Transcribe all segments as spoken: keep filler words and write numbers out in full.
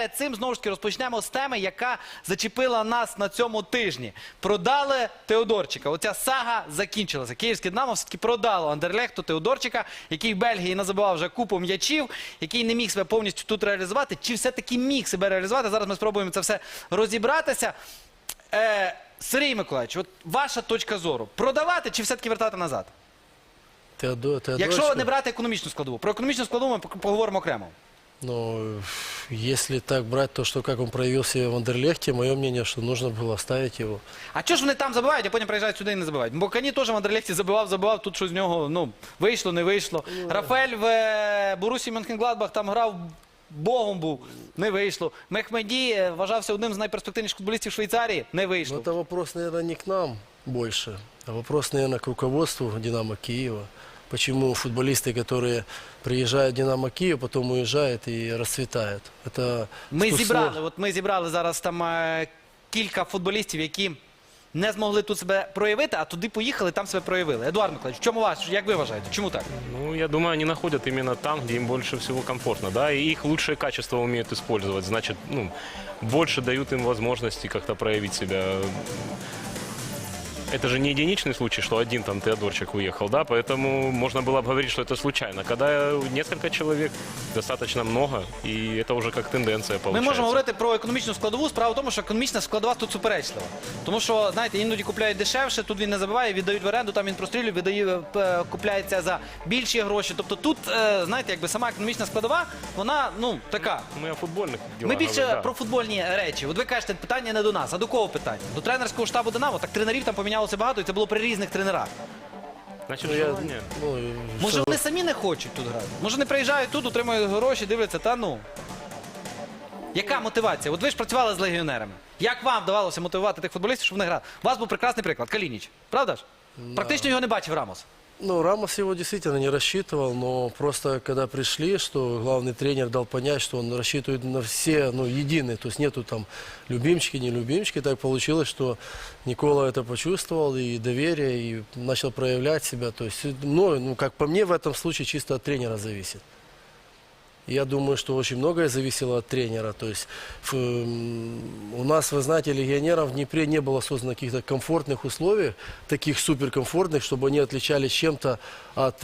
перед цим, знову ж таки, розпочнемо з теми, яка зачепила нас на цьому тижні. Продали Теодорчика. Оця сага закінчилася. Київське Динамо все-таки продало Андерлехту Теодорчика, який в Бельгії назабивав вже купу м'ячів, який не міг себе повністю тут реалізувати. Чи все-таки міг себе реалізувати? Зараз ми спробуємо це все розібратися. Е, Сергій Миколаївич, от ваша точка зору. Продавати чи все-таки вертати назад? Теодор, Якщо не брати економічну складову. Про економічну складову ми поговоримо окремо. Ну, если так брать то, что как он проявил себя в Андерлехте, мое мнение, что нужно было оставить его. А чого ж вони там забивають, а потім приїжджають сюди і не забивають? Бо Кані теж в Андерлехті забивав, забивав, тут щось з нього, ну, вийшло, не вийшло. Рафаель в е, Борусі Мюнхенгладбах там грав, богом був, не вийшло. Мехмеді е, вважався одним з найперспективніших футболістів Швейцарії, не Но вийшло. это вопрос, наверное, не к нам больше, а вопрос, наверное, к руководству «Динамо» Киева. Почему футболисты, которые приезжают в «Динамо» Киев, потом уезжают и расцветают. Это Ми сто- зібрали, от ми зібрали зараз там е, кілька футболістів, які не змогли тут себе проявити, а туди поїхали, там себе проявили. Едуард Миколаївич, в чому ваш, як ви вважаєте, чому так? Ну, я думаю, они находят именно там, где им больше всего комфортно, да, и их лучшие качества умеют использовать, значит, ну, больше дают им возможности как-то проявить себя. Это же не единичный случай, что один там Теодорчик уехал, да, поэтому можно было бы говорить, что это случайно. Когда несколько человек, достаточно много, и это уже как тенденция Ми получается. можемо говорити про економічну складову. Справа в тому, що економічна складова тут суперечлива. Тому що, знаєте, іноді купляють дешевше, тут він не забиває, віддають в оренду, там він прострілює, віддає, е, купляється за більші гроші. Тобто тут, е, знаєте, якби сама економічна складова, вона, ну, така. Мы о футбольных делах Ми більше говорим, да. про футбольні речі. От ви кажете, питання не до нас, а до кого питання? До тренерського штабу «Динамо». Так тренерів там помінялося багато, і це було при різних тренерах. Значит, Ну, я- желание. ну, и Може, что- вони самі не хочуть тут грати? Може, не приїжджають тут, отримують гроші, дивляться, та ну. Яка мотивація? От ви ж працювали з легіонерами. Як вам вдавалося мотивувати тих футболістів, щоб вони грали? У вас був прекрасний приклад, Калініч. Правда ж? Практично його не бачив Рамос. Ну, Рамос его действительно не рассчитывал, но просто когда пришли, что главный тренер дал понять, что он рассчитывает на все, ну, единые, то есть нету там любимчики, не любимчики, так получилось, что Никола это почувствовал и доверие, и начал проявлять себя, то есть, ну, ну, как по мне, в этом случае чисто от тренера зависит. Я думаю, что очень многое зависело от тренера. То есть в, м, у нас, вы знаете, легионеров в Днепре не было создано каких-то комфортных условий, таких суперкомфортных, чтобы они отличались чем-то от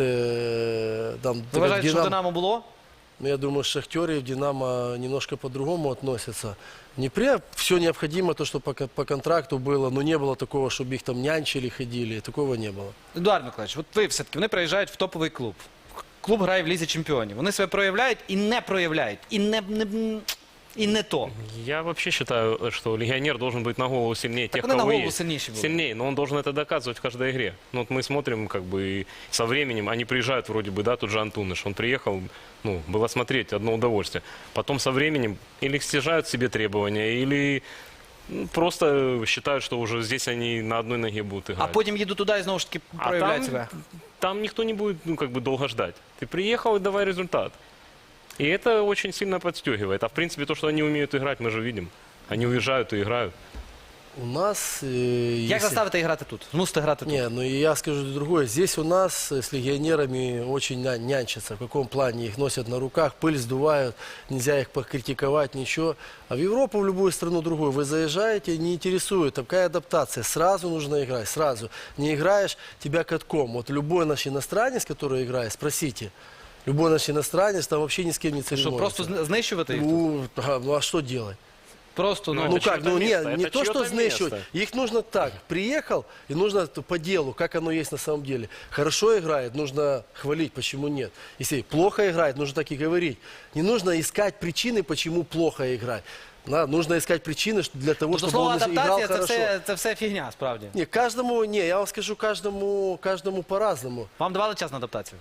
э, там, Ви как вважаєте, що в Динамо. «Динамо» було? Ну, я думаю, шахтеры в «Динамо» немножко по-другому относятся. В Днепре все необходимо, то, что по, ко- по контракту было, но не было такого, чтобы их там нянчили, ходили, такого не было. Едуард Миколаївич, от ви все-таки, вони приїжджають в топовий клуб. Клуб грає в Лізі Чемпіонів. Вони себе проявляють і не проявляють. І не, не, і не то. Я вообще считаю, что легионер должен быть на голову сильнее тех, вони на кого голову есть. сильніші були. Сильнее, но он должен это доказывать в каждой игре. Ну, вот мы смотрим, как бы, и со временем, они приезжают вроде бы, да, тут же Антуныш, он приехал, ну, было смотреть, одно удовольствие. Потом со временем или снижают себе требования, или ну, просто считают, что уже здесь они на одной ноге будут А играть. потім їду туди і знову ж таки А проявляють там, себе. там никто не будет, ну, как бы, долго ждать. Ты приехал и давай результат. И это очень сильно подстегивает. А в принципе, то, что они умеют играть, мы же видим. Они уезжают и играют. У нас... э, Як если- заставити грати тут? Змусити грати тут? Не, ну и я скажу другое. Здесь у нас с легионерами очень ня- нянчатся. В каком плане? Их носят на руках, пыль сдувают, нельзя их покритиковать, ничего. А в Европу, в любую страну другую, вы заезжаете, не интересует. Такая адаптация. Сразу нужно играть, сразу. Не играешь, тебя катком. Вот любой наш иностранец, который играет, спросите. Любой наш иностранец там вообще ни с кем не Що, церемонится. просто зни- знищувати їх тут? Ну, ага, ну а что делать? Просто, ну, Ну, Ну это как, чьё-то ну не, место, не это то, что чьё-то знищивать. место. Их нужно так, приехал, и нужно т- по делу, как оно есть на самом деле. Хорошо играет, нужно хвалить, почему нет. Если плохо играет, нужно так и говорить. Не нужно искать причины, почему плохо играть. Да, нужно искать причины что- для того, Тобто чтобы слово он играл адаптація це хорошо. все, це все фігня, справді. Не, каждому, не, я вам скажу, каждому, каждому по-разному. Вам давали час на адаптацію?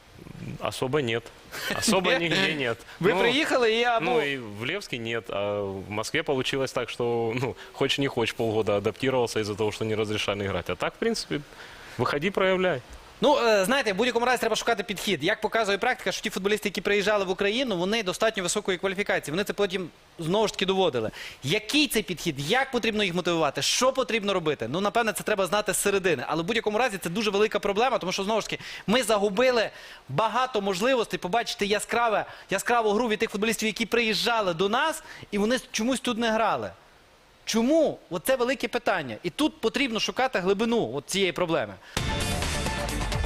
Особо нет. Особо нигде нет. Ви Ну, приїхали і або... Ну и в Левске нет, а в Москве получилось так, что, ну, хочешь не хочешь, полгода адаптировался из-за того, что не разрешали играть. А так, в принципе, выходи, проявляй. Ну, е, знаєте, в будь-якому разі треба шукати підхід. Як показує практика, що ті футболісти, які приїжджали в Україну, вони достатньо високої кваліфікації. Вони це потім знову ж таки доводили. Який це підхід? Як потрібно їх мотивувати? Що потрібно робити? Ну, напевне, це треба знати з середини. Але в будь-якому разі це дуже велика проблема, тому що, знову ж таки, ми загубили багато можливостей побачити яскраве, яскраву гру від тих футболістів, які приїжджали до нас, і вони чомусь тут не грали. Чому? Оце велике питання. І тут потрібно шукати глибину от цієї проблеми.